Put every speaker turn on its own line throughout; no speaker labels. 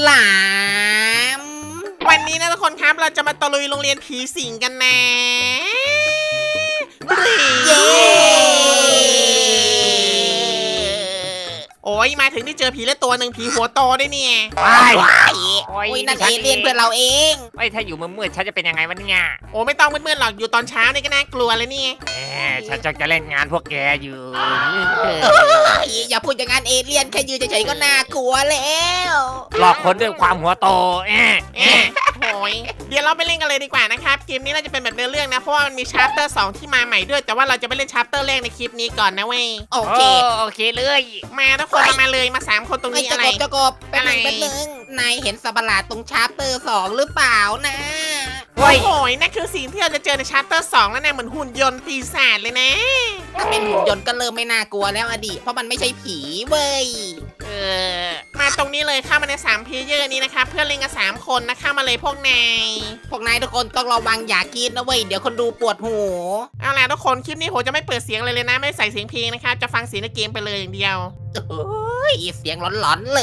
ลาม
วันนี้นะทุกคนครับเราจะมาตะลุยโรงเรียนผีสิงกันนะ
เย้
โอ้ยมาถึงที่เจอผีแล้วตัวหนึ่งผีหัวโตด้วยเนี่ย
ว้าย
ว้าย
โอ้ย
โอ้ยนั่นเอเลี่ยนเพื่อนเราเอง
เอ้ยถ้าอยู่มืดๆฉันจะเป็นยังไงวะเนี่ย
โอ้ไม่ต้องมืดๆหรอกอยู่ตอนเช้านี่ก็น่ากลัวเลยนี่
ฉันจะเล่นงานพวกแกอยู่
อย่าพูดอย่างนั้นเอเลี่ยนแค่ยืนเฉยๆก็น่ากลัวแล้ว
หลอกคนด้วยความหัวโต
เอ๊ะโอ้ยเดี๋ยวเราไปเล่นกันเลยดีกว่านะครับเกมนี้เราจะเป็นแบบเนื้อเรื่องนะเพราะว่ามันมีชาร์เตอร์2ที่มาใหม่ด้วยแต่ว่าเราจะไปเล่นชาร์เตอร์แรกในคลิปนี้ก่อนนะเว้ย
โอเค
โอเคเลย
มาทุกคนมาเลยมา3คนตรง
ไม่
นี้
จะ
อะไร
กบจะกบแป๊บนึงนายเห็นสัตว์ประหลาดตรงชาร์เตอร์2หรือเปล่านะ
โอ้
โอ้
ย
โหนั่นคือสิ่งที่เราจะเจอในชาร์เตอร์2แล้วนะเหมือนหุ่นยนต์ปีศาจเลยนะ
ถ้าเป็นหุ่นยนต์ก็เริ่มไม่น่ากลัวแล้วอดีตเพราะมันไม่ใช่ผีเว้ย
เออ
มาตรงนี้เลยเข้ามาใน3เพลเยอร์นี้นะครับเพื่อนเล่นกัน3คนนะเข้ามาเลยพวกนาย
พวกนายทุกคนต้องระวังอย่ากรีดนะเว้ยเดี๋ยวคนดูปวดหู
เอาล่ะทุกคนคลิปนี้ผมจะไม่เปิดเสียงเลยนะไม่ใส่เสียงเพลงนะครับจะฟังเสียงในเกมไปเลยอย่างเดียว
โอ้ยเสียงหลอนๆเลย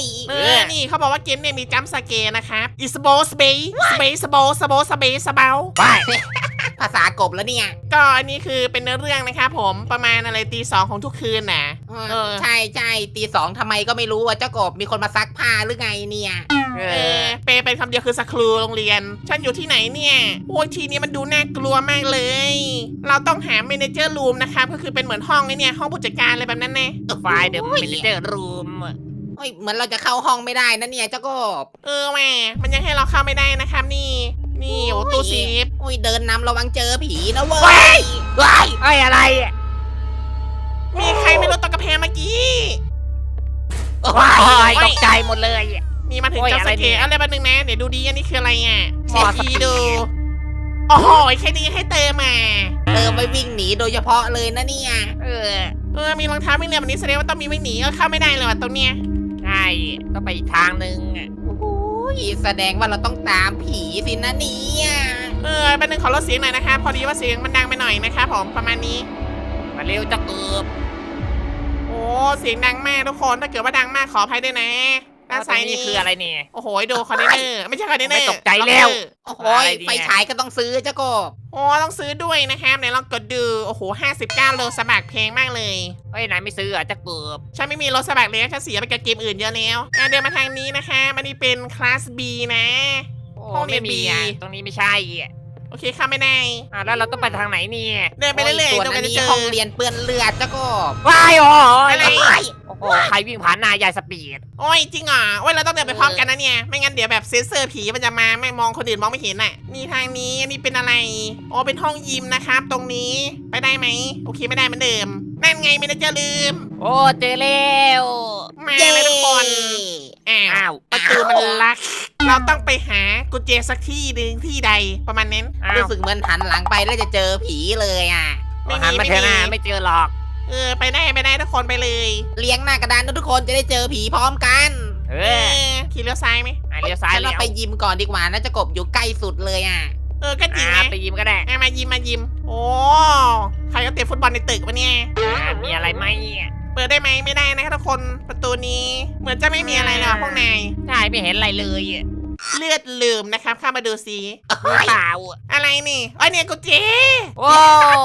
นี่เขาบอกว่าเกมเนี่ยมีจัมป์สเกร์นะครับอิสโบสเบย์สเบย์สโบสโบสเบย์สเบล
ว้าย
ภาษากบแล้วเนี่ย
ก็อันนี้คือเป็นเนื้อเรื่องนะครับผมประมาณอะไรตี 2ของทุกคืนนะ
ใช่ตีสองทำไมก็ไม่รู้ว่าเจ้ากบมีคนมาซักผ้าหรือไงเนี่ย
เปย์เป็นคำเดียวคือสครูโรงเรียน ฉันอยู่ที่ไหนเนี่ยโอ้ยทีนี้มันดูน่ากลัวมากเลย เราต้องหาเมเนเจอร์รูมนะครับก็คือเป็นเหมือนห้องไอ้เนี่ยห้องผู้จัดการอะไรแบบนั้นนะ
ไฟล์เดอะมินิเจอร์รูม
โอ้ยเหมือนเราจะเข้าห้องไม่ได้นะเนี่ยเจ้ากบ
แม่มันยังให้เราเข้าไม่ได้นะครับนี่โอ้ตู้ซีฟ
โอ้ยเดินนำระวังเจอผีนะเว้
ว้าย
ยว้าย
ไอ้อะไร
มีใครไม่รู้ตกกระแพงเมื่อกี้
ว้ายตกใจหมดเลย
นี่มาถึง
โอ้ย
จัมป์
อะไร
ส
เนี่
เก
ย
ร์อะไรบ้างนึงนะเดี๋ยวดูดีอันนี้คืออะไรอ่ะ
หมอส
ที
ปีด
ดูโอ้โหแค่นี้ให้เติมมา
เติมไปวิ่งหนีโดยเฉพาะเลยนะเนี่ย
เออ
มีรองเท้าวิ่งเร็วแบบนี้แสดงว่าต้องมีวิ่งหนีเข้าไม่ได้เลยว่ะตรงเนี้ย
ใช่ต้องไปอีกทางนึง
โอ้ยแสดงว่าเราต้องตามผีสินะเนี่ย
แป๊บนึงขอลดเสียงหน่อยนะคะพอดีว่าเสียงมันดังไปหน่อยนะคะผมประมาณนี้
มาเร็วจะเกือบ
โอ้เสียงดังมากทุกคนถ้าเกิดว่าดังมากขออภัยด้วยนะด้านซ้าย
นี่
นี่
คืออะไรเนี่ย
โอ้โหดูคอนเทนเนอร์ไม่ใช่คอนเทนเนอร์
ไม่ตกใจแล้ว
โอ้โห
อะไรเนี่ย
ไฟฉายก็ต้องซื้อเจ้ากบ
โอ้ต้องซื้อด้วยนะครับไหนลองกดดูโอ้โห59โลสมัครเพลงมากเลย
เฮ้ยนายไม่ซื้อจะเกือบ
ฉันไม่มีโลสมัครเลยฉันเสียไปกับเกมอื่นเยอะแล้วเดินมาทางนี้นะคะมันนี่เป็นคลาส B นะ
โอ้
ห้องเรีย
ไม่
น
มี
B
ตรงนี้ไม่ใช่
โอเคเข้าไม่ได้
แล้วเราต้องไปทางไหนเนี่ย
เดินไปเรื่อย
ส่
ๆ
วน
จนก
อั
ว่าน จะ
นี้
เจอ
ห้องเรียนเปื้อนเลือดเจ้ากบ
ว้ายโอ้
อะไร
โอ้โหใครวิ่งผ่านหน้ายายสปีด
โอ้ยจริงเหรอโอ้ยเราต้องเดินไปพร้อมกันนะเนี่ยไม่งั้นเดี๋ยวแบบเซนเซอร์ผีมันจะมาไม่มองคนอื่นมองไม่เห็นน่ะนี่ทางนี้อันนี้เป็นอะไรอ๋อเป็นห้องยิมนะครับ ตรงนี้ไปได้ไหมโอเคไม่ได้เหมือนเดิมนั่นไงไม่ได้จะลืม
โอ้เจอแล้ว
มาเลยทุกคนอ้า
อ้าว ว
ประตูมันล็อกเราต้องไปหากุญแจสักที่หนึ่งที่ใดประมาณนั้น
อ้าว
รู้สึกเหมือนหันหลังไปแล้วจะเจอผีเลยอ่ะ
ไม่มี
หันมาเถอะนะ
ไม่มี
ไม่เจอหรอก
ไปได้ทุกคนไปเลย
เลี้ยงหน้ากระดานนะทุกคนจะได้เจอผีพร้อมกัน
เอ
เอ
อ
ขี่เลี้ยวซ้ายไหม
เลี้ยวซ้าย
ฉัน
เลี้
เรา
ยว
ไปยิมก่อนดีกว่านะเจะกบอยู่ใกล้สุดเลยอ่ะ
ก็จริงนะ
ไปยิมก็ได้
มายิมโอ้ใครก็เตะฟุตบอลในตึกวะเนี่ย
มีอะไรไหม
เปิดได้ไหมไม่ได้นะครับทุกคนประตูนี้เหมือนจะไม่มีอะไรเลยว่ะพวกนาย
ใช่ไม่เห็นอะไรเลย
เลือดลืมนะครับเข้ามาดูซิ
มีเปล่า
อะไรนี่เนี่ยกุญแจ
โอ้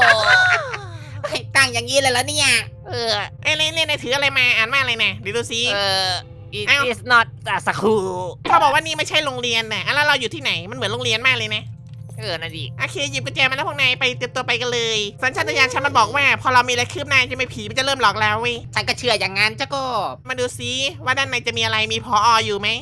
ตั้งอย่างนี้เลยแล้วเนี่ย
เออ
เล่นถืออะไรมาอ่านว่าอะไรนะเดี๋ยวดูซิ
it
อ้าว
is not a school
เขาบอกว่านี่ไม่ใช่โรงเรียนนะแล้วเราอยู่ที่ไหนมันเหมือนโรงเรียนมากเลยนะ
นั่นดิ
โอเคหยิบกุญแจมาแล้วพวกนายไปเตรียมตัวไปกันเลย สัญชาตญาณฉันมันบอกว่า พอเรามีอะไรคืบหน้าจะไม่ผีมันจะเริ่มหลอกแล้วเว้ย
ฉันก็เชื่ออย่างนั้นเจ้ากบ
มาดูซิว่าด้านในจะมีอะไรมีพออยู่ไหม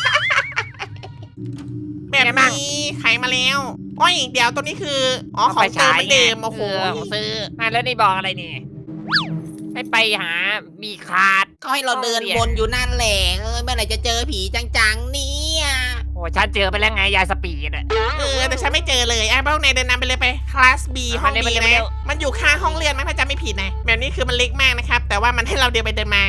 แบบนี้ไขมาแล้วโอ้ยเดี๋ยวตัวนี้คือของเติมเหมือนเดิมโอ้โห
ผมซื้อแล้วนี่บอกอะไรนี่ให้ไปหามีคาร์ด
เขาให้เราเดินวนอยู่นั่นแหละเมื่อไหร่จะเจอผีจังๆเนี่ย
โอ้ฉันเจอไปแล้วไงยายสปีด
แต่ฉันไม่เจอเลยพวกนายเดินนำไปเลยไปคลาส B ห้อง B นะมันอยู่ข้างห้องเรียนมั้งถ้าจำไม่ผิดนะแบบนี้คือมันเล็กมากนะครับแต่ว่ามันให้เราเดินไปเดินมา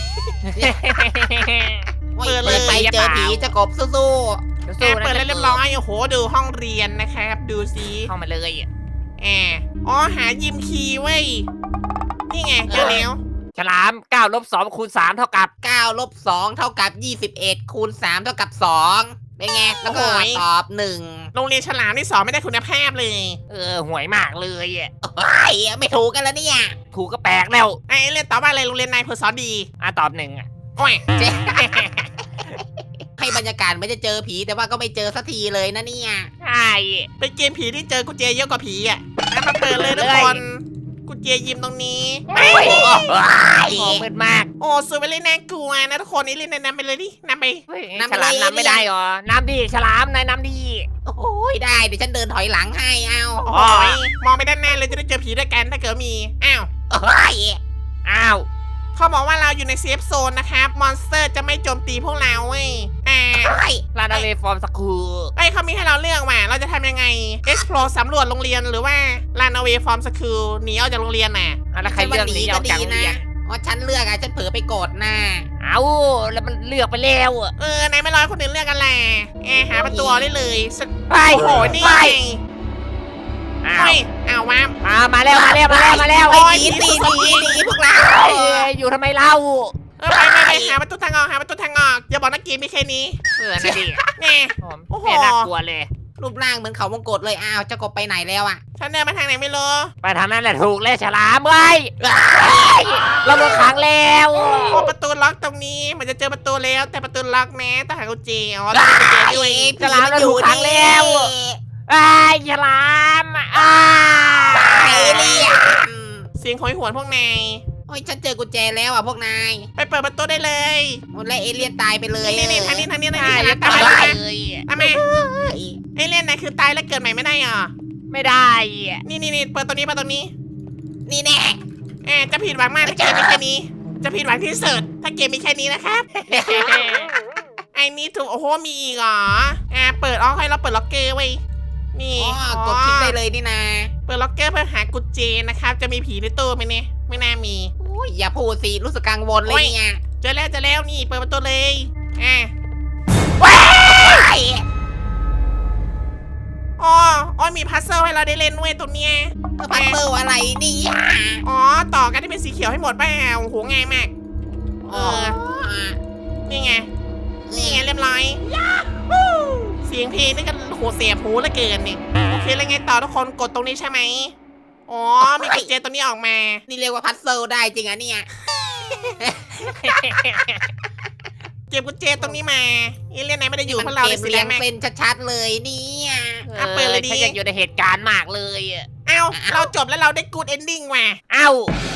เปิดเลย
ไปเจอผีเจ้ากบสู้
เปิดแล้วเรียบร้อยโอ้โหดูห้องเรียนนะครับดูซิ
เข้ามาเลย
หายิมคีย์เว้ยนี่ไงเจอแล้ว
ฉัลาม9 ลบ 2 คูณ 3 เท่ากับ
9 ลบ 2 เท่ากับ 21 คูณ 3 เท่ากับ 2 เป็นไง แล้วก็ตอบ 1
โรงเรียนฉลามที่สอนไม่ได้คุณภาพเลย
ห่วยมากเลยอะ
ไอ้ยไม่ถูกกันแล้วเนี่ย
ถูกก็แปลกแล้ว
ไอ้เรียนตอบว่าอะไรโรงเรียนนายเพอร์สอนดี
ตอบ1อะ
โอ้ย
เจ๊ ให้บรรยากาศไม่จะเจอผีแต่ว่าก็ไม่เจอสักทีเลยนะเนี่ย
ใช่
เป็นเกมผีที่เจอกุญแจเยอะกว่าผีอ่ะมาเปิดเลยทุกคนกุญแจยิมตรงนี้
โอ้มืดมาก
โอ้สวยไปเลยน่ากลัวนะทุกคนนี่เล่นนำไปเลยดินำไป
เฮ้ยฉลามนำไม่ได้หรอน้ำดีฉลามนายน้ำดี
โอ้ยได้เดี๋ยวฉันเดินถอยหลังให้เอา
โอ้ยมองไปด้านหน้าเลยจะได้เจอผีด้วยกันถ้าเกิดมีอ้าว
โอ้ย
อ้าว
เขาบอกว่าเราอยู่ในเซฟโซนนะครับมอนสเตอร์จะไม่โจมตีพวกเราเว้ย
โอ้ย
ลาดาเลฟอร์มสคูล
เขามีให้เราเลือกว่าเราจะทำยังไง explore สำรวจโรงเรียนหรือว่า run away from school หนีออกจากโรงเรียนน่ะ
แล้วใครเลือกหนีออกจากโรงเรียน
อ๋อฉันเลือกอะฉันเผลอไปกดหน้า
เอาแล้วมันเลือกไปแล้วอะ
นายไม่รอคนอื่นเลือกกันแหละหาประตูได้เลย
ไป
โอ้โหนี่
ไป
ไง
อ้า
โอ้
วย
เอาวะ
มาแล้วมาแล้ว
โอ้ยหนีหนีพวกเรา
อยู่ทำไมเล่า
ไปหาประตูทางออกอย่าบอกนักเกมมีแค่นี้
นั่นดิ
แน่ โอ้โห
แม่น่ากลัวเลย
รูปร่างเหมือนเขาวงกตเลยอ้าวเจ้ากบไปไหนแล้วอะ
ฉันเดินมาทางไหนไม่รู้
ไปทางนั้นแหละถูกเลยฉลามเว้ยเราโดนขังแล้ว
โอ้ประตูล็อกตรงนี้เหมือนจะเจอประตูแล้วแต่ประตูล็อกแม้ต้องหากุญแจอ๋อต้องหากุญแจด้วย
ฉลามเราถูกขังแล้วไอ้ฉลามอ้า
ไอ้เลี่ยม
เสียงโหยหวนพวกนาย
โอ้ยฉันเจอกุญแจแล้วอะพวกนาย
ไปเปิดประตูได้เลย
หมดแล้วเอเลี่ยนตายไปเลย
นี่ทางนี้
ใช่
ฉลาม
ตา
ตาย
เลย
ทำไมไอ้เล่นนายคือตายแล้วเกิดใหม่ไม่ได้เหรอ
ไม่ได้
นี่เปิดตรงนี้
นี่แน่
จะผิดหวังมากถ้าเกมมีแค่นี้ จะผิดหวังที่สุดถ้าเกมมีแค่นี้นะครับ ไอ้นี่ถูกโอ้โหมีอีกเหรอเปิดให้เราเปิดล็อกเกอร์ไว้นี่
อ๋อกดคลิกได้เลยนี่นา
เปิดล็อกเกอร์เพื่อหากุญแจนะครับจะมีผีในตู้ไหมเนี่ยไม่น่ามี
โอ้ยอย่าพูดสิรู้สึกกังวลเลยเนี่ย
เจอแล้วนี่เปิดประตูเลยอ๋อมีพัซเซิลให้เราได้เล่นด้วยตรงเนี้ย
พัซเซิลอะไรนี่
อ๋อต่อกันที่เป็นสีเขียวให้หมดป่ะโอ้โหง่ายมาก นี่ไงเรียบร้อยเสียงเพลงนี่กันโหเสียบหูเหลือเกินนี่โอเคแล้วไงต่อทุกคนกดตรงนี้ใช่ไหมอ๋อมีกุญแจตัวนี้ออกมา
นี่เรียกว่าพัซเซิลได้จริงอะเนี่ย
เก็บกุญแจตรงนี้มาเอเลี่ยนไหนไม่ได้อยู่เพราะเรา
เก
เลย
ม
สี
เรี
แด
ยง
งมาก
เป็นชัดๆเลยเนี่ย
เปิดเลยดิ
ฉันอยากอยู่ในเหตุการณ์มากเลย
เอ้าเราจบแล้วเราได้กูดเอนดิ้งว่ะ
เอ้า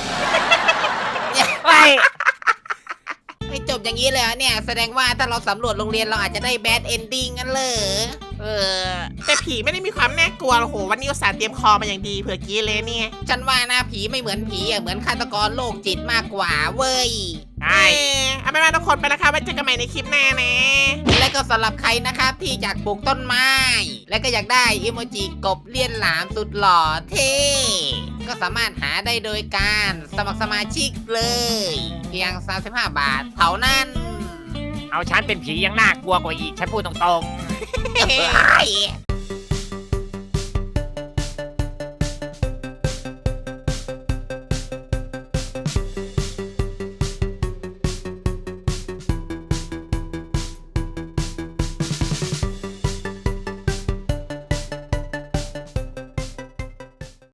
ไป
ไม่จบอย่างนี้เลยเหรอเนี่ยแสดงว่าถ้าเราสำรวจโรงเรียนเราอาจจะได้แบดเอนดิ้งกันเลย
แต่ผีไม่ได้มีความน่ากลัวหรอกโหวันนี้อุตส่าห์เตรียมคอมาอย่างดีเผื่อกี้เลยเนี่ย
ฉันว่านะผีไม่เหมือนผีอะเหมือนฆาตกรโรคจิตมากกว่าเว้ย
ใช่
เอาไปมาทุกคนไปแล้วครับไว้เจอกันใหม่ในคลิปหน้านะ
และก็สำหรับใครนะครับที่อยากปลูกต้นไม้ และก็อยากได้อิโมจิกบเลี่ยนหลามสุดหล่อเท่ก็สามารถหาได้โดยการสมัครสมาชิกเลย เพียง 35 บาทเท่านั้น
เอาฉันเป็นผียังน่ากลัวกว่าอีกฉันพูดตรง
เฮ้ย